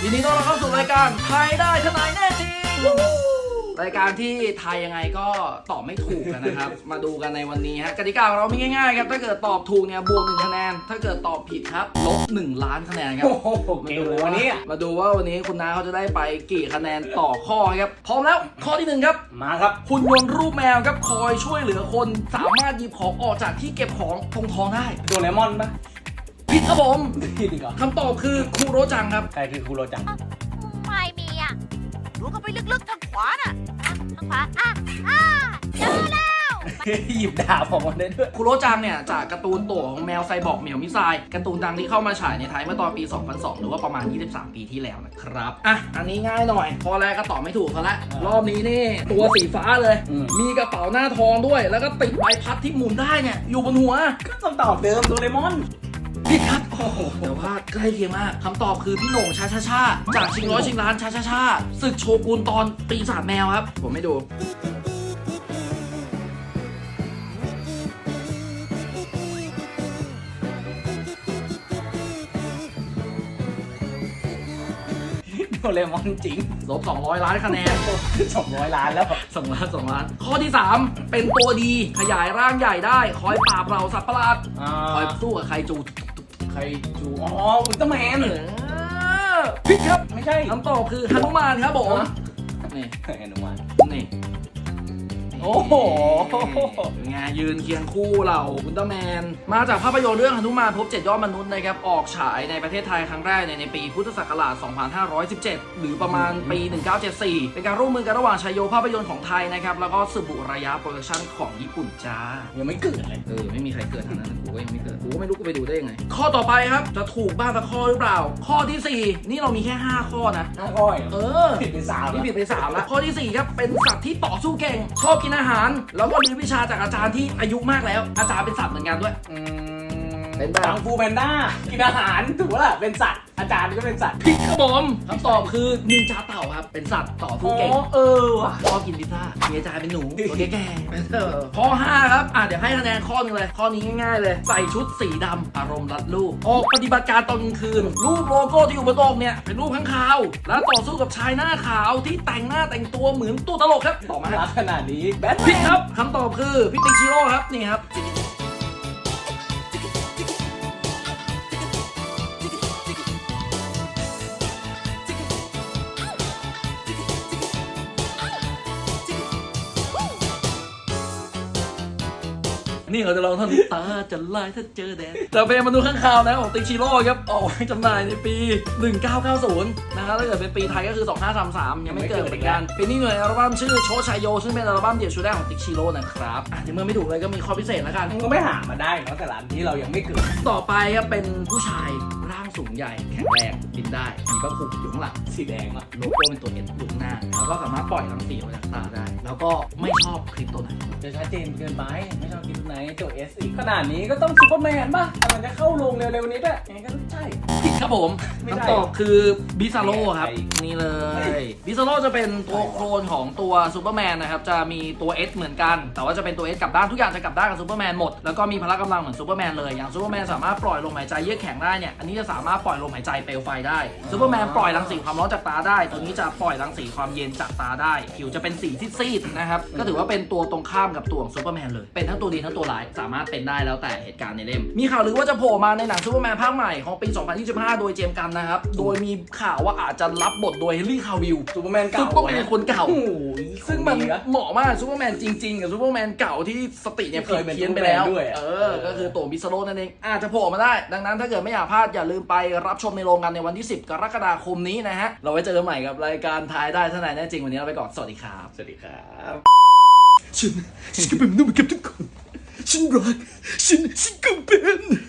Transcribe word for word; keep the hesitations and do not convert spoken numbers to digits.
ยินดีต้อนรับเข้าสู่รายการทายได้ทนายแน่จริงรายการที่ทายยังไงก็ตอบไม่ถูกกันนะครับ มาดูกันในวันนี้ฮะกติกาของเรามีง่ายๆครับถ้าเกิดตอบถูกเนี่ยบวกหนึ่งคะแนนถ้าเกิดตอบผิดครับลบหนึ่งล้านคะแนนครับโอ้โหเก่งเลยวันนี้มาดูว่าวันนี้คุณน้าเขาจะได้ไปกี่คะแนนต่อข้อครับพร้อมแล้วข้อที่หนึ่งครับมาครับหุ่นยนต์รูปแมวครับคอยช่วยเหลือคนสามารถหยิบของออกจากที่เก็บของตรงท้องได้โดเรมอนปะผิดครับผมผิดอีกเหรอคำตอบคือคูโรจังครับใครคือคูโรจังไม่มีอ่ะดูเข้าไปลึกๆทางขวาน่ะทางขวาอ่ะอ่ะเจอแล้วหยิบดาบออกมาได้ด้วยคูโรจังเนี่ยจากการ์ตูนโตของแมวไซบอร์กเหมียวมิซายการ์ตูนดังที่เข้ามาฉายในไทยเมื่อตอนปี สองพันสอง หรือว่าประมาณ ยี่สิบสาม ปีที่แล้วนะครับอ่ะอันนี้ง่ายหน่อยพอแรกก็ตอบไม่ถูกซะแล้วรอบนี้นี่ตัวสีฟ้าเลยมีกระเป๋าหน้าทองด้วยแล้วก็ติดใบพัดที่หมุนได้เนี่ยอยู่บนหัวก็คำตอบเดิมโดเรมอนผิดครับโอ้โหแต่ว่าใกล้เคียงมากคำตอบคือพี่โหน่งชาชาชาจากชิงร้อยชิงล้านชาชาชาศึกโชกุนตอนปีศาจแมวครับผมไม่ดูโดเรมอนจริงลบสองร้อยล้านคะแนนสองร้อยล้านแล้วสองล้านสองล้านข้อที่สามเป็นตัวดีขยายร่างใหญ่ได้คอยปราบเราสัตว์ประหลาดคอยสู้กับไคจูไคจูอ๋ออุลตร้าแมนผิดครับไม่ใช่คำตอบคือหนุมานครับผมนี่หนุมานนี่โอ้โหงานยืนเคียงคู่เราอุลตร้าแมนมาจากภาพยนตร์เรื่องหนุมานพบเจ็ดยอดมนุษย์นะครับออกฉายในประเทศไทยครั้งแรกในในปีพุทธศักราช สองพันห้าร้อยสิบเจ็ด หรือประมาณปี หนึ่งพันเก้าร้อยเจ็ดสิบสี่ เป็นการร่วมมือกันระหว่างชัยโยภาพยนตร์ของไทยนะครับแล้วก็สึบุระยะโปรดักชั่นของญี่ปุ่นจ้ายังไม่เกิดเลยเออไม่มีใครเกิดทางนั้นกูก็ยังไม่เกิดกูก็ไม่รู้กูไปดูได้ยังไงข้อต่อไปครับจะถูกบ้างสักข้อหรือเปล่าข้อที่สี่นี่เรามีแค่ห้าข้อนะห้าข้อเออผิดไปสามนี่ผิดไปสามแล้วข้อที่สี่ครับเป็นสัตว์ที่ต่อสู้เก่งชอบกินอาหารแล้วก็เรียนวิชาจากอาจารย์ที่อายุมากแล้วอาจารย์เป็นสัตว์เหมือนกันด้วยอืมเป็นแบบกังฟูแพนด้ากินอาหารถูกป่ะล่ะเป็นสัตว์อาจารย์ก็เป็นสัตว์ผิดครับผมคำตอบคือนินจาเต่าครับเป็นสัตว์ต่อสู้เก่งเออว่ะชอบกินพิซซ่ามีอาจารย์เป็นหนูตัวแก่ๆข้อห้าครับอ่ะเดี๋ยวให้คะแนนข้อนึงเลยข้อนี้ง่ายๆเลยใส่ชุดสีดำอารมณ์รัดรูปออกปฏิบัติการตอนกลางคืนรูปโลโก้ที่อยู่บนโต๊ะเนี่ยเป็นรูปข้างคาวแล้วต่อสู้กับชายหน้าขาวที่แต่งหน้าแต่งตัวเหมือนตัวตลกครับตอบมาขนาดนี้แบทผิดครับคำตอบคือพี่ติ๊กชิโร่ครับนี่ครับนี่เราจะลองท่อนตาจะลายถ้าเจอแดดแต่เพลงมนุษย์ข้างคาวนะของติ๊กชิโร่ครับออกไว้จำหน่ายในปีหนึ่งพันเก้าร้อยเก้าสิบนะครับถ้าเกิดเป็นปีไทยก็คือสองพันห้าร้อยสามสิบสามยังไม่เกิดเหมือนกันปีนี้หน่วยอัลบั้มชื่อโชชัยโยซึ่งเป็นอัลบั้มเดี่ยวชุดแรกของติ๊กชิโร่นะครับอ่ะในเมื่อไม่ถูกเลยก็มีข้อพิเศษแล้วกันก็ไม่หามาได้เนาะแต่ละที่เรายังไม่เกิดต่อไปครับเป็นผู้ชายร่างสูงใหญ่แข็งแรงบินได้มีพระคุกอยู่ข้างหลังสีแดงอะโลโก้เป็นตัวเอ็นอยู่หน้าแล้วก็สามารถปล่อยรังสีออกจากตาได้แล้วก็ไม่ชอบคลิปตัวไหนจะชัดเจนเกินไปไม่ชอบคลิปไหนตัวเอสอีกขนาดนี้ก็ต้องซูเปอร์แมนป่ะแต่มันจะเข้าลงเร็วๆนี้ด้วยยังไงก็ต้องใช่ผิดครับผมคำตอบคือบิซาโร่ครับนี่เลยบิซาโร่จะเป็นตัวโคลนของตัวซูเปอร์แมนนะครับจะมีตัว S เหมือนกันแต่ว่าจะเป็นตัว S กลับด้านทุกอย่างจะกลับด้านกับซูเปอร์แมนหมดแล้วก็มีพละกำลังเหมือนซูเปอร์แมนเลยอย่างซูเปอร์แมนสามารถปล่อยลมหายใจเยือกแข็งได้เนี่ยอันนี้จะสามารถปล่อยลมหายใจเปลวไฟได้ซูเปอร์แมนปล่อยรังสีความร้อนจากตาได้ตัวนี้จะปล่อยรังสีความเย็นจากตาได้ผิวจะเป็นสีซีดๆนะครับก็ถือว่าเป็นตัวตรงข้ามกับตัวของซูเปอร์แมนเลยเป็นทั้งตัวดีทั้งตัวร้ายสามารถเป็นได้แล้วแต่เหตุการณ์ในเล่มมีข่าวลือว่าจะโผล่มาในหนังซูเปอร์แมนภาคใหม่ของปี สองพันยี่สิบห้า โดยเจมส์กันนะครับโดยมีข่าวว่าอาจจะรับบทโดยเฮนรี่คาวิลซูเปอร์แมนเก่าซูเปอร์แมนคนเก่าซึ่งมันเหมาะมากซูเปอร์แมนจริงๆกับซูเปอร์แมนเก่าที่สติเนี่ยเพี้ยนเพี้ยนไปแล้วเออก็คือตัวบิซาโร่นั่นเองอาจจะโผล่มาได้ดังนั้นถ้าเกิดไม่อยากพลาดอย่าลืมไปรับชมในโรงกันในวันที่สิบกรกฎาคมนี้นะฮะเราไว้เจอกันใหม่กับรายการทายได้ทนายแน่จริงวันนี้เราไปก่อนสวัสดีครับสวัสดีครับฉันฉันก็เป็นมนุษย์เหมือนกับทุกคนฉันรักฉันฉันก็เป็น